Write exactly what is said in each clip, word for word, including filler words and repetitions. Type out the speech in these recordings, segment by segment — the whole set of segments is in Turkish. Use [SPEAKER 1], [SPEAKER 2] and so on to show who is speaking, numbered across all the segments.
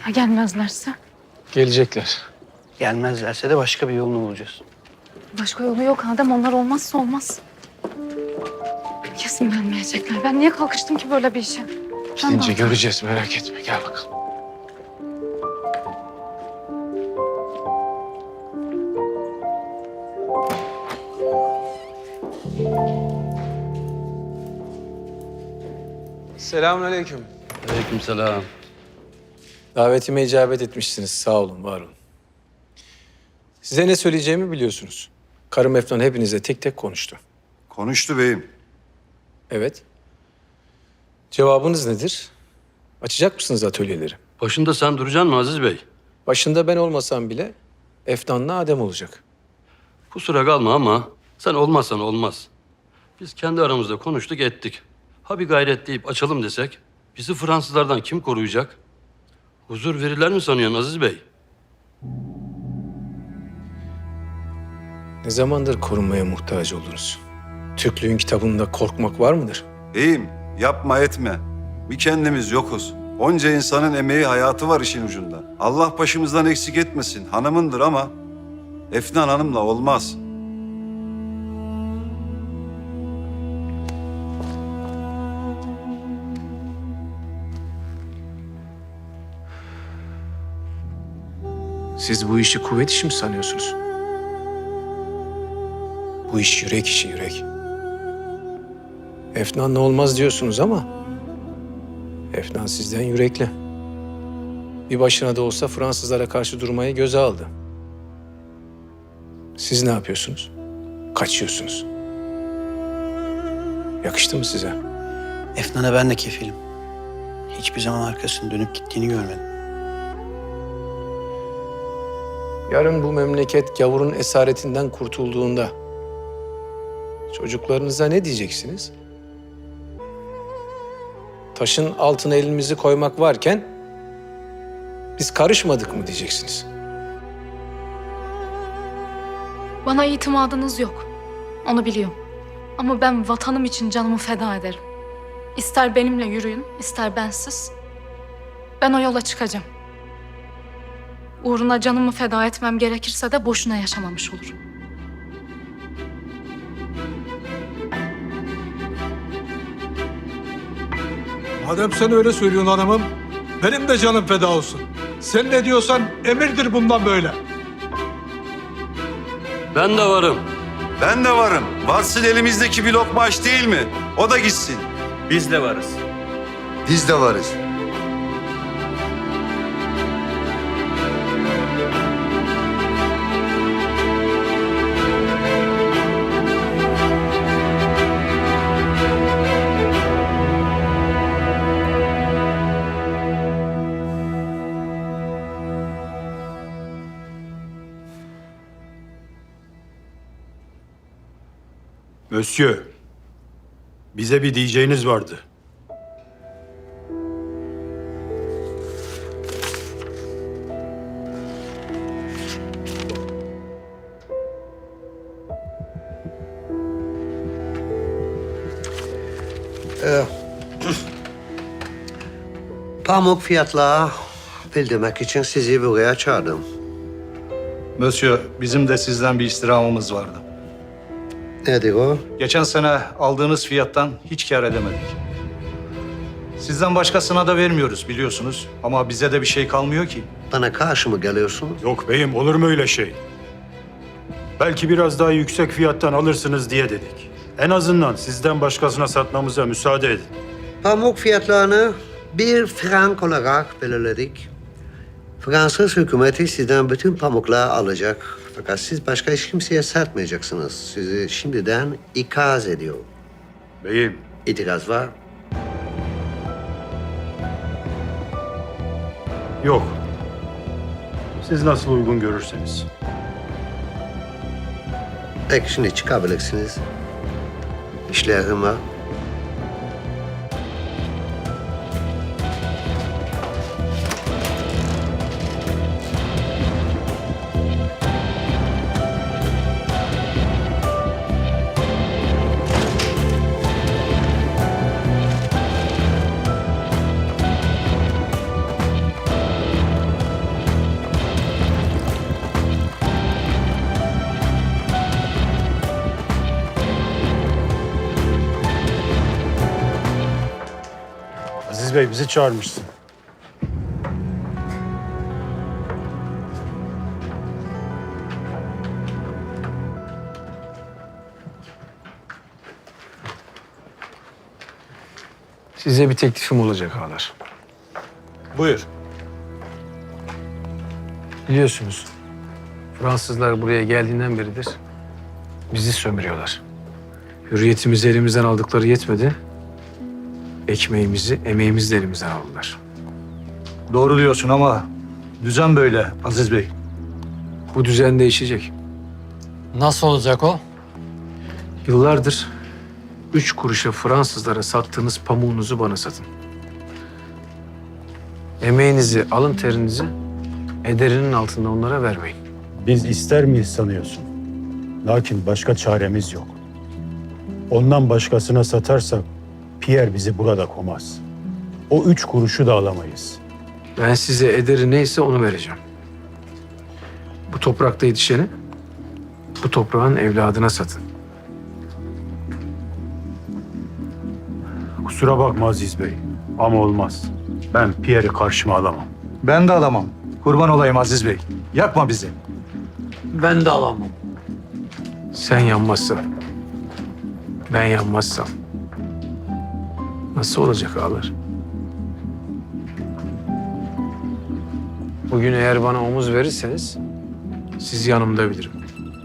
[SPEAKER 1] Ya gelmezlerse?
[SPEAKER 2] Gelecekler.
[SPEAKER 3] Gelmezlerse de başka bir yolunu bulacağız.
[SPEAKER 1] Başka yolu yok Adem. Onlar olmazsa olmaz. Kesin gelmeyecekler. Ben niye kalkıştım ki böyle bir işe? Ben
[SPEAKER 2] Gidince
[SPEAKER 1] de-
[SPEAKER 2] göreceğiz, merak etme. Gel bakalım. Selamünaleyküm.
[SPEAKER 4] Aleykümselam.
[SPEAKER 2] Davetime icabet etmişsiniz. Sağ olun, var olun. Size ne söyleyeceğimi biliyorsunuz. Karım Efnan hepinize tek tek konuştu.
[SPEAKER 5] Konuştu beyim.
[SPEAKER 2] Evet. Cevabınız nedir? Açacak mısınız atölyeleri?
[SPEAKER 4] Başında sen duracaksın mı Aziz Bey?
[SPEAKER 2] Başında ben olmasam bile Efnan'la Adem olacak.
[SPEAKER 4] Kusura kalma ama sen olmazsan olmaz. Biz kendi aramızda konuştuk ettik. Ha bir gayret deyip açalım desek bizi Fransızlardan kim koruyacak? Huzur verirler mi sanıyorsun Aziz Bey?
[SPEAKER 2] Ne zamandır korunmaya muhtaç oldunuz? Türklüğün kitabında korkmak var mıdır?
[SPEAKER 5] Beyim yapma etme. Bir kendimiz yokuz. Onca insanın emeği hayatı var işin ucunda. Allah başımızdan eksik etmesin. Hanımındır ama Efnan Hanım'la olmaz.
[SPEAKER 2] Siz bu işi kuvvet işi mi sanıyorsunuz? Bu iş yürek işi, yürek. Efnan'la olmaz diyorsunuz ama Efnan sizden yürekli. Bir başına da olsa Fransızlara karşı durmayı göze aldı. Siz ne yapıyorsunuz? Kaçıyorsunuz. Yakıştı mı size?
[SPEAKER 3] Efnan'a ben de kefilim. Hiçbir zaman arkasını dönüp gittiğini görmedim.
[SPEAKER 2] Yarın bu memleket gavurun esaretinden kurtulduğunda çocuklarınıza ne diyeceksiniz? Taşın altına elimizi koymak varken biz karışmadık mı diyeceksiniz?
[SPEAKER 1] Bana itimadınız yok. Onu biliyorum. Ama ben vatanım için canımı feda ederim. İster benimle yürüyün, ister bensiz. Ben o yola çıkacağım. Uğruna canımı feda etmem gerekirse de boşuna yaşamamış olurum.
[SPEAKER 6] Madem sen öyle söylüyorsun hanımım, benim de canım feda olsun. Sen ne diyorsan emirdir bundan böyle.
[SPEAKER 4] Ben de varım.
[SPEAKER 5] Ben de varım. Varsın elimizdeki bir lokma aş değil mi? O da gitsin.
[SPEAKER 7] Biz de varız.
[SPEAKER 5] Biz de varız.
[SPEAKER 7] Monsieur, bize bir diyeceğiniz vardı.
[SPEAKER 8] Pamuk fiyatla bildirmek için sizi buraya çağırdım.
[SPEAKER 7] Monsieur, bizim de sizden bir istirhamımız vardı.
[SPEAKER 8] Nedir o?
[SPEAKER 7] Geçen sene aldığınız fiyattan hiç kâr edemedik. Sizden başkasına da vermiyoruz biliyorsunuz. Ama bize de bir şey kalmıyor ki.
[SPEAKER 8] Bana karşı mı geliyorsunuz?
[SPEAKER 7] Yok beyim, olur mu öyle şey? Belki biraz daha yüksek fiyattan alırsınız diye dedik. En azından sizden başkasına satmamıza müsaade edin.
[SPEAKER 8] Pamuk fiyatlarını bir frank olarak belirledik. Fransız hükümeti sizden bütün pamukları alacak. Fakat siz başka hiç kimseye satmayacaksınız. Sizi şimdiden ikaz ediyor.
[SPEAKER 7] Beyim,
[SPEAKER 8] İtiraz var.
[SPEAKER 7] yok. Siz nasıl uygun görürseniz.
[SPEAKER 8] Peki şimdi çıkabilirsiniz. İşlerim var.
[SPEAKER 7] Aziz Bey bizi çağırmışsın.
[SPEAKER 2] Size bir teklifim olacak ağalar.
[SPEAKER 6] Buyur.
[SPEAKER 2] Biliyorsunuz Fransızlar buraya geldiğinden beridir bizi sömürüyorlar. Hürriyetimizi elimizden aldıkları yetmedi. Ekmeğimizi, emeğimizi de elimizden aldılar.
[SPEAKER 9] Doğru diyorsun ama düzen böyle Aziz Bey.
[SPEAKER 2] Bu düzen değişecek.
[SPEAKER 3] Nasıl olacak o?
[SPEAKER 2] Yıllardır üç kuruşa Fransızlara sattığınız pamuğunuzu bana satın. Emeğinizi, alın terinizi ederinin altında onlara vermeyin.
[SPEAKER 7] Biz ister miyiz sanıyorsun? Lakin başka çaremiz yok. Ondan başkasına satarsak Pierre bizi burada komaz. O üç kuruşu da alamayız.
[SPEAKER 2] Ben size ederi neyse onu vereceğim. Bu toprakta yetişeni bu toprağın evladına satın.
[SPEAKER 7] Kusura bakma Aziz Bey ama olmaz. Ben Pierre'i karşıma alamam.
[SPEAKER 9] Ben de alamam. Kurban olayım Aziz Bey. Yakma bizi.
[SPEAKER 3] Ben de alamam.
[SPEAKER 2] Sen yanmazsan, ben yanmazsam nasıl olacak ağalar? Bugün eğer bana omuz verirseniz sizi yanımda bilirim.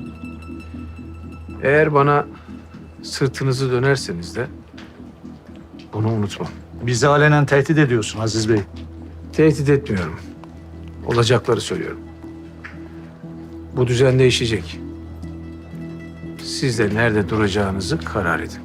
[SPEAKER 2] Eğer bana sırtınızı dönerseniz de bunu unutmam.
[SPEAKER 9] Bizi alenen tehdit ediyorsun Aziz Bey.
[SPEAKER 2] Tehdit etmiyorum. Olacakları söylüyorum. Bu düzen değişecek. Siz de nerede duracağınızı karar edin.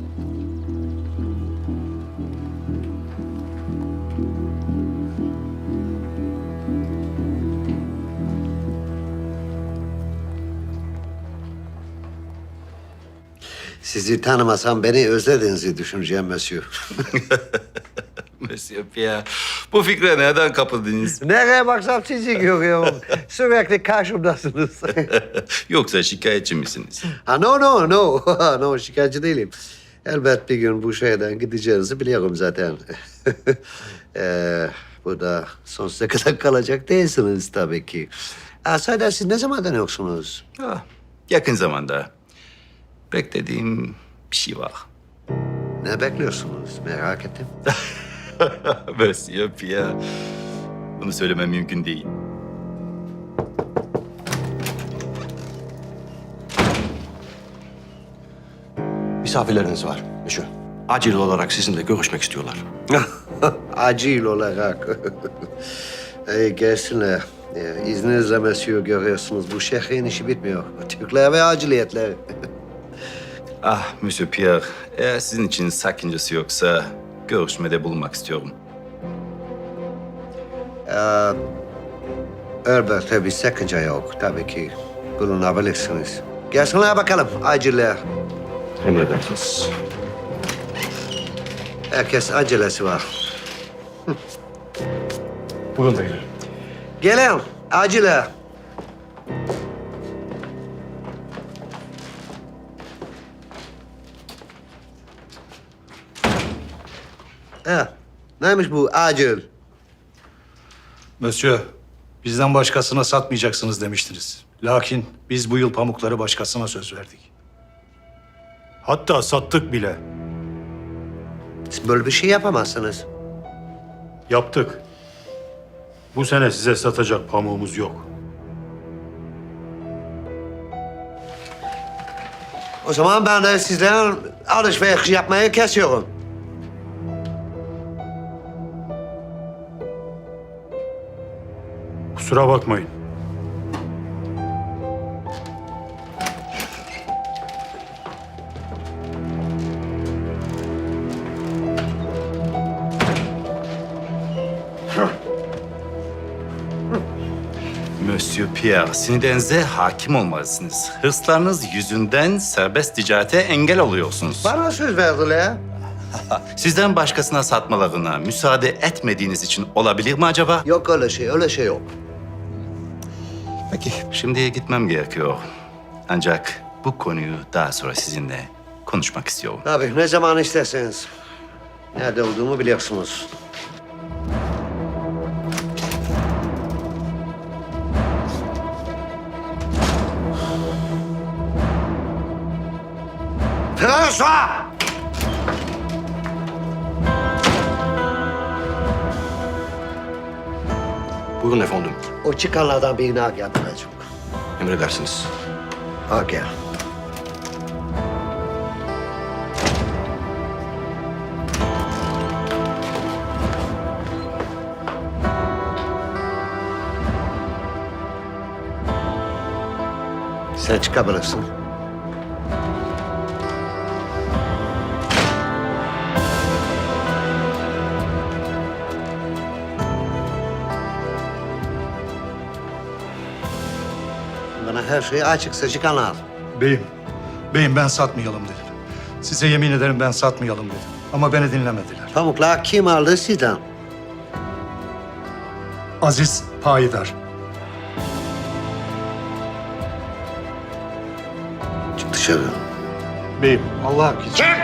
[SPEAKER 8] Sizi tanımasam beni özlediğinizi düşüneceğim Monsieur.
[SPEAKER 10] Monsieur Pierre, bu fikre nereden kapıldınız?
[SPEAKER 8] Nereye baksam sizi görüyorum. Sürekli karşımdasınız.
[SPEAKER 10] Yoksa şikayetçi misiniz?
[SPEAKER 8] Ha no no no. no şikayetçi değilim. Elbet bir gün bu şehirden gideceğinizi biliyorum zaten. ee, burada sonsuza kadar kalacak değilsiniz tabii ki. Ha, sahiden siz ne zamandan yoksunuz?
[SPEAKER 10] Ah, yakın zamanda. Beklediğim bir şey var.
[SPEAKER 8] Ne bekliyorsunuz? Merak ettim.
[SPEAKER 10] Monsieur Pierre, bunu söylemem mümkün değil.
[SPEAKER 11] Misafirleriniz var Monsieur. Acil olarak sizinle görüşmek istiyorlar.
[SPEAKER 8] Acil olarak. Ey gelsinler. Ya, İzninizle Monsieur görüyorsunuz bu şehrin işi bitmiyor. Türkler ve aciliyetler.
[SPEAKER 10] Ah, Monsieur Pierre, eğer sizin için sakıncası yoksa görüşmede bulunmak istiyorum.
[SPEAKER 8] Ee, elbette bir sakınca yok. Tabii ki bulunabilirsiniz. Gelsinler bakalım aciller.
[SPEAKER 11] Emredersiniz.
[SPEAKER 8] Herkes acelesi var.
[SPEAKER 11] Buyurun beyler.
[SPEAKER 8] Gelin acile. Ha, neymiş bu acil?
[SPEAKER 9] Monsieur, bizden başkasına satmayacaksınız demiştiniz. Lakin biz bu yıl pamukları başkasına söz verdik.
[SPEAKER 7] Hatta sattık bile.
[SPEAKER 8] Siz böyle bir şey yapamazsınız.
[SPEAKER 7] Yaptık. Bu sene size satacak pamuğumuz yok.
[SPEAKER 8] O zaman ben de sizden alışveriş yapmayı kesiyorum.
[SPEAKER 7] Kusura bakmayın.
[SPEAKER 10] Monsieur Pierre, sinirlerinize hakim olmalısınız. Hırslarınız yüzünden serbest ticarete engel oluyorsunuz.
[SPEAKER 8] Bana söz verdiler.
[SPEAKER 10] Sizden başkasına satmalarına müsaade etmediğiniz için olabilir mi acaba?
[SPEAKER 8] Yok öyle şey, öyle şey yok.
[SPEAKER 10] Peki, şimdi gitmem gerekiyor. Ancak bu konuyu daha sonra sizinle konuşmak istiyorum.
[SPEAKER 8] Tabii ne zaman isterseniz. Nerede olduğumu biliyorsunuz.
[SPEAKER 11] François! Buyurun efendim.
[SPEAKER 8] O çıkanlardan birini al gel buraya.
[SPEAKER 11] Emredersiniz.
[SPEAKER 8] Al gel. Sen çıkabilirsin. Bana her şeyi açık seçik anlat.
[SPEAKER 9] Beyim, beyim ben satmayalım dedim. Size yemin ederim ben satmayalım dedim. Ama beni dinlemediler.
[SPEAKER 8] Pamuklar kim aldı sizden?
[SPEAKER 9] Aziz Payidar.
[SPEAKER 8] Çık dışarı.
[SPEAKER 9] Beyim, Allah için.
[SPEAKER 11] Çık!